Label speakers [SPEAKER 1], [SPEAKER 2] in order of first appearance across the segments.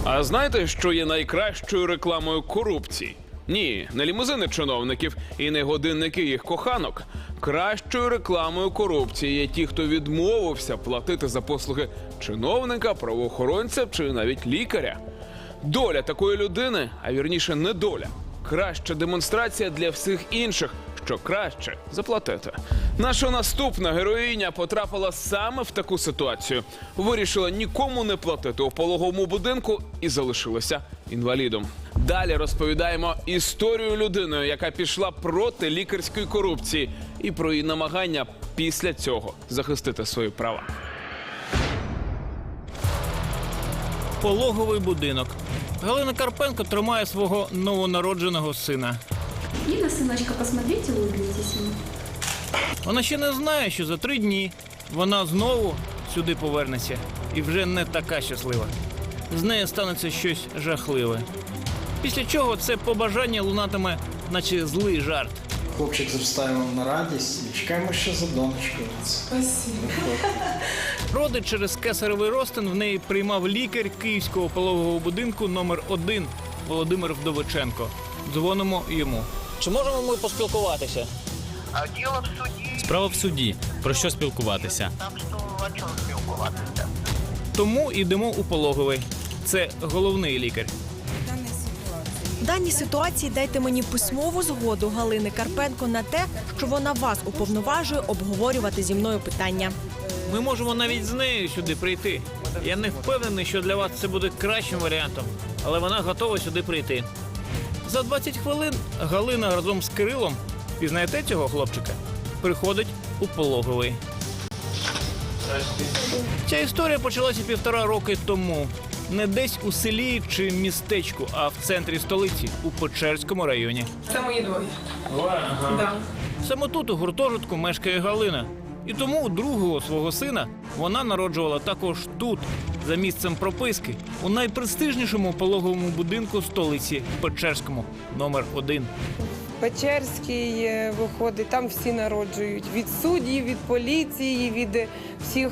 [SPEAKER 1] А знаєте, що є найкращою рекламою корупції? Ні, не лімузини чиновників і не годинники їх коханок. Кращою рекламою корупції є ті, хто відмовився платити за послуги чиновника, правоохоронця чи навіть лікаря. Доля такої людини, а вірніше не доля, краща демонстрація для всіх інших, що краще заплатити. Наша наступна героїня потрапила саме в таку ситуацію. Вирішила нікому не платити у пологовому будинку і залишилася інвалідом. Далі розповідаємо історію людини, яка пішла проти лікарської корупції, і про її намагання після цього захистити свої права.
[SPEAKER 2] Пологовий будинок. Галина Карпенко тримає свого новонародженого сина.
[SPEAKER 3] Лина, сыночка, посмотрите, улыбнитесь ему.
[SPEAKER 2] Вона ще не знає, що за 3 дні вона знову сюди повернеться. І вже не така щаслива. З нею станеться щось жахливе. Після чого це побажання лунатиме, наче злий жарт.
[SPEAKER 4] Хлопчик зростає на радість і чекаємо ще за донечкою.
[SPEAKER 3] Спасибо.
[SPEAKER 2] Роди через кесаревий розтин в неї приймав лікар Київського пологового будинку номер 1 Володимир Вдовиченко. Дзвонимо йому. Чи можемо ми поспілкуватися?
[SPEAKER 5] А діло в суді.
[SPEAKER 6] Справа в суді. Про що спілкуватися?
[SPEAKER 5] Там що, о чому спілкуватися?
[SPEAKER 2] Тому йдемо у пологовий. Це головний лікар.
[SPEAKER 7] В даній ситуації дайте мені письмову згоду Галини Карпенко на те, що вона вас уповноважує обговорювати зі мною питання.
[SPEAKER 2] Ми можемо навіть з нею сюди прийти. Я не впевнений, що для вас це буде кращим варіантом, але вона готова сюди прийти. За 20 хвилин Галина разом з Кирилом, пізнаєте цього хлопчика, приходить у пологовий. Ця історія почалася 1,5 роки тому. Не десь у селі чи містечку, а в центрі столиці, у Печерському районі.
[SPEAKER 8] Це мої двоє. Да.
[SPEAKER 2] Саме тут, у гуртожитку, мешкає Галина. І тому другого свого сина вона народжувала також тут, за місцем прописки, у найпрестижнішому пологовому будинку столиці Печерському, номер 1.
[SPEAKER 8] Печерський виходить, там всі народжують. Від суддів, від поліції, від всіх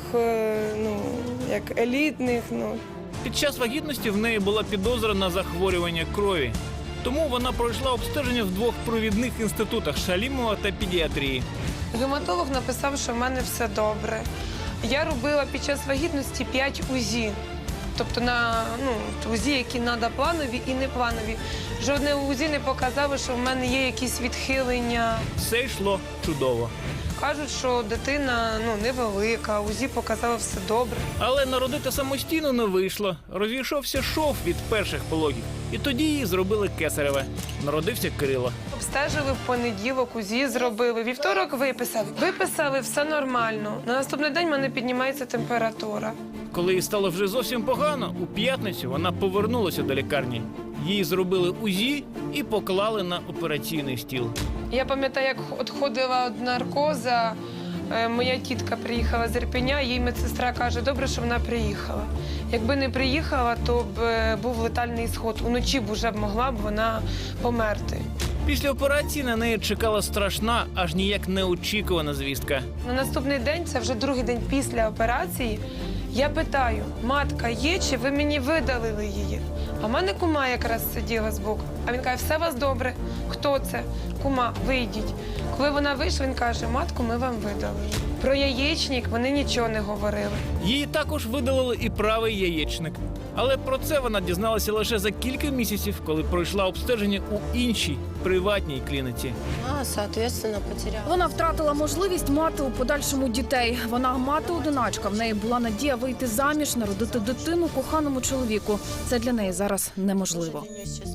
[SPEAKER 8] як елітних.
[SPEAKER 2] Під час вагітності в неї була підозра на захворювання крові. Тому вона пройшла обстеження в 2 провідних інститутах – Шалімова та педіатрії.
[SPEAKER 8] Гематолог написав, що в мене все добре. Я робила під час вагітності 5 УЗІ. Тобто на УЗІ, які треба планові і непланові. Жодне УЗІ не показало, що в мене є якісь відхилення.
[SPEAKER 2] Все йшло чудово.
[SPEAKER 8] Кажуть, що дитина невелика, УЗІ показало все добре.
[SPEAKER 2] Але народити самостійно не вийшло. Розійшовся шов від перших пологів. І тоді їй зробили кесареве. Народився Кирило.
[SPEAKER 8] Обстежили в понеділок, УЗІ зробили, вівторок виписали. Виписали, все нормально. На наступний день в мене піднімається температура.
[SPEAKER 2] Коли їй стало вже зовсім погано, у п'ятницю вона повернулася до лікарні. Їй зробили УЗІ і поклали на операційний стіл.
[SPEAKER 8] Я пам'ятаю, як відходила від наркоза, моя тітка приїхала з Ірпеня, їй медсестра каже, добре, що вона приїхала. Якби не приїхала, то б був летальний ісход. Уночі б вже могла б вона померти.
[SPEAKER 2] Після операції на неї чекала страшна, аж ніяк неочікувана звістка.
[SPEAKER 8] На наступний день, це вже другий день після операції, я питаю, матка є, чи ви мені видалили її? А в мене кума якраз сиділа збоку. А він каже, все у вас добре. Хто це? Кума, вийдіть. Коли вона вийшла, він каже, матку, ми вам видалили. Про яєчник вони нічого не говорили.
[SPEAKER 2] Їй також видалили і правий яєчник. Але про це вона дізналася лише за кілька місяців, коли пройшла обстеження у іншій, приватній клініці.
[SPEAKER 9] Соответственно, потеряла.
[SPEAKER 10] Вона втратила можливість мати у подальшому дітей. Вона мати-одиначка. В неї була надія вийти заміж, народити дитину коханому чоловіку. Це для неї зараз неможливо.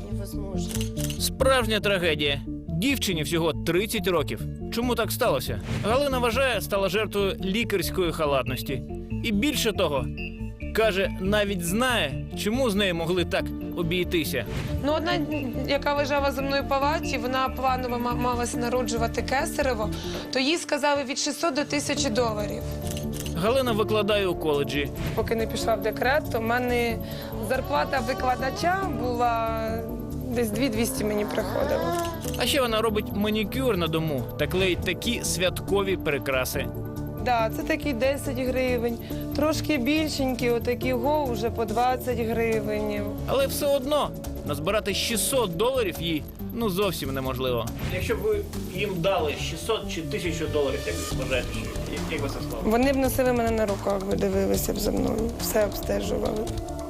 [SPEAKER 2] Справжня трагедія. Дівчині всього 30 років. Чому так сталося? Галина вважає, стала жертвою лікарської халатності. І більше того, каже, навіть знає, чому з нею могли так обійтися.
[SPEAKER 8] Одна, яка лежала за мною в палаті, вона планово малася народжувати кесарево, то їй сказали від 600 до 1000 доларів.
[SPEAKER 2] Галина викладає у коледжі.
[SPEAKER 8] Поки не пішла в декрет, то в мене зарплата викладача була десь 2200 мені приходило.
[SPEAKER 2] А ще вона робить манікюр на дому та клеїть такі святкові прикраси.
[SPEAKER 8] да, це такі 10 гривень. Трошки більшенькі, отакі вже по 20 гривень.
[SPEAKER 2] Але все одно назбирати $600 їй зовсім неможливо. Якщо б ви їм дали 600 чи 1000 доларів, як ви вважаєте, як ви це склали?
[SPEAKER 8] Вони б носили мене на руках, би дивилися б за мною, все обстежували.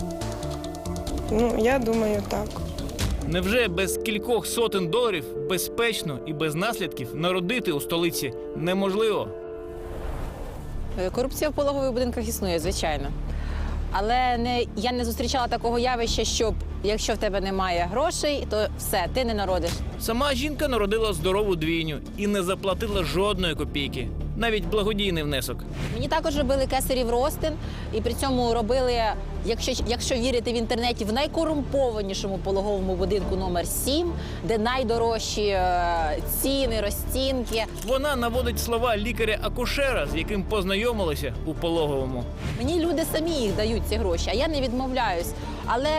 [SPEAKER 8] Я думаю, так.
[SPEAKER 2] Невже без кількох сотень доларів безпечно і без наслідків народити у столиці неможливо?
[SPEAKER 11] Корупція в пологових будинках існує, звичайно. Але я не зустрічала такого явища, щоб якщо в тебе немає грошей, то все, ти не народиш.
[SPEAKER 2] Сама жінка народила здорову двійню і не заплатила жодної копійки, навіть благодійний внесок.
[SPEAKER 11] Мені також робили кесарів розтин, і при цьому робили, якщо вірити в інтернеті, в найкорумпованішому пологовому будинку номер 7, де найдорожчі ціни, розцінки.
[SPEAKER 2] Вона наводить слова лікаря-акушера, з яким познайомилися у пологовому.
[SPEAKER 11] Мені люди самі їх дають, ці гроші, а я не відмовляюсь. Але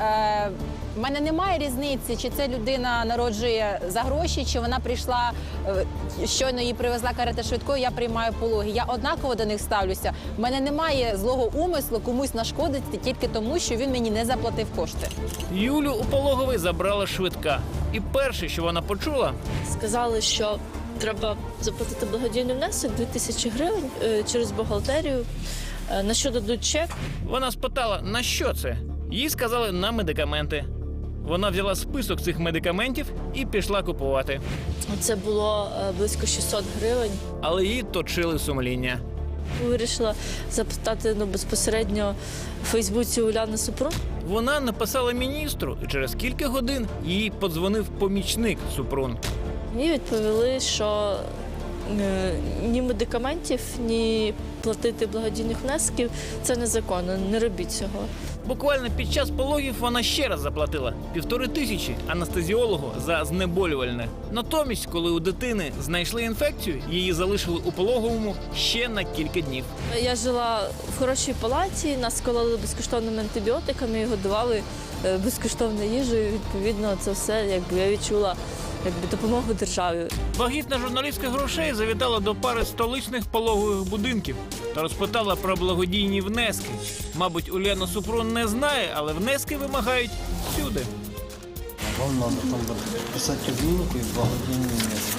[SPEAKER 11] в мене немає різниці, чи ця людина народжує за гроші, чи вона прийшла, щойно її привезла карета швидкою, я приймаю пологи. Я однаково до них ставлюся. В мене немає злого умислу комусь нашкодити тільки тому, що він мені не заплатив кошти.
[SPEAKER 2] Юлю у пологовий забрала швидка. І перше, що вона почула...
[SPEAKER 9] Сказали, що треба заплатити благодійний внесок 2000 гривень через бухгалтерію. На що дадуть чек?
[SPEAKER 2] Вона спитала, на що це? Їй сказали, на медикаменти. Вона взяла список цих медикаментів і пішла купувати.
[SPEAKER 9] Це було близько 600 гривень.
[SPEAKER 2] Але її точили сумління.
[SPEAKER 9] Вирішила запитати безпосередньо в Фейсбуці Уляни Супрун.
[SPEAKER 2] Вона написала міністру, і через кілька годин їй подзвонив помічник Супрун.
[SPEAKER 9] Мені відповіли, що ні медикаментів, ні платити благодійних внесків – це незаконно, не робіть цього.
[SPEAKER 2] Буквально під час пологів вона ще раз заплатила 1500 анестезіологу за знеболювальне. Натомість, коли у дитини знайшли інфекцію, її залишили у пологовому ще на кілька днів.
[SPEAKER 9] Я жила в хорошій палаті, нас кололи безкоштовними антибіотиками і годували безкоштовною їжею. Відповідно, це все я відчула допомогу державі.
[SPEAKER 2] Вагітна журналістка грошей завітала до пари столичних пологових будинків та розпитала про благодійні внески. Мабуть, Уляна Супрун не знає, але внески вимагають всюди.
[SPEAKER 4] Вам треба там писати відмінку і благодійні внески.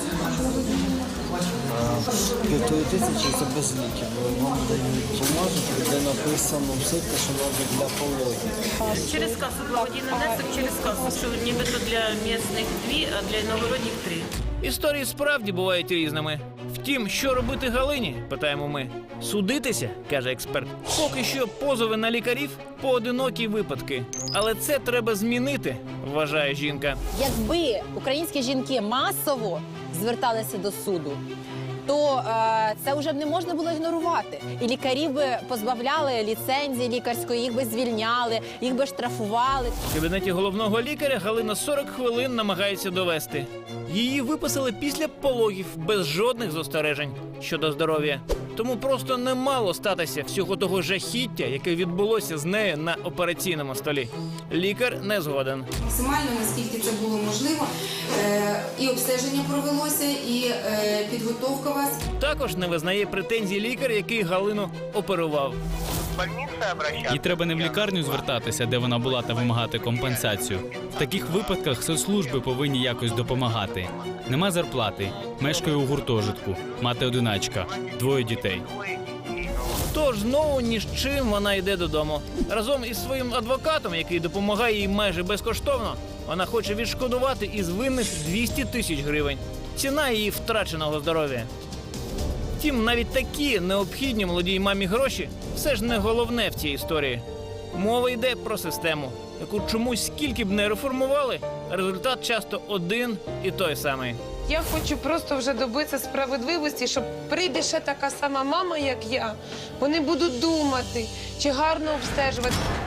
[SPEAKER 4] 1500 це без ліків. Вам дають бумажку, де написано все те, що треба для пологів.
[SPEAKER 12] Через кассу благодійний внесок, через кассу, що нібито для місцевих 2, а для іногородніх 3.
[SPEAKER 2] Історії справді бувають різними. Втім, що робити Галині, питаємо ми. Судитися, каже експерт. Поки що позови на лікарів – поодинокі випадки. Але це треба змінити, вважає жінка.
[SPEAKER 11] Якби українські жінки масово зверталися до суду, то це вже б не можна було ігнорувати. І лікарів би позбавляли ліцензії лікарської, їх би звільняли, їх би штрафували.
[SPEAKER 2] В кабінеті головного лікаря Галина 40 хвилин намагається довести. Її виписали після пологів без жодних застережень щодо здоров'я. Тому просто не мало статися всього того жахіття, яке відбулося з нею на операційному столі. Лікар не згоден.
[SPEAKER 13] Максимально, наскільки це було можливо, і обстеження провелося, і підготовка вас.
[SPEAKER 2] Також не визнає претензій лікар, який Галину оперував.
[SPEAKER 6] Їй треба не в лікарню звертатися, де вона була, та вимагати компенсацію. В таких випадках соцслужби повинні якось допомагати. Нема зарплати, мешкає у гуртожитку, мати-одиначка, 2 дітей.
[SPEAKER 2] Тож знову ні з чим вона йде додому. Разом із своїм адвокатом, який допомагає їй майже безкоштовно, вона хоче відшкодувати із винних 200 тисяч гривень. Ціна її втраченого здоров'я. Втім, навіть такі необхідні молодій мамі гроші все ж не головне в цій історії. Мова йде про систему, яку чомусь скільки б не реформували, результат часто один і той самий.
[SPEAKER 8] Я хочу просто вже добитися справедливості, щоб прийде ще така сама мама, як я. Вони будуть думати, чи гарно обстежувати.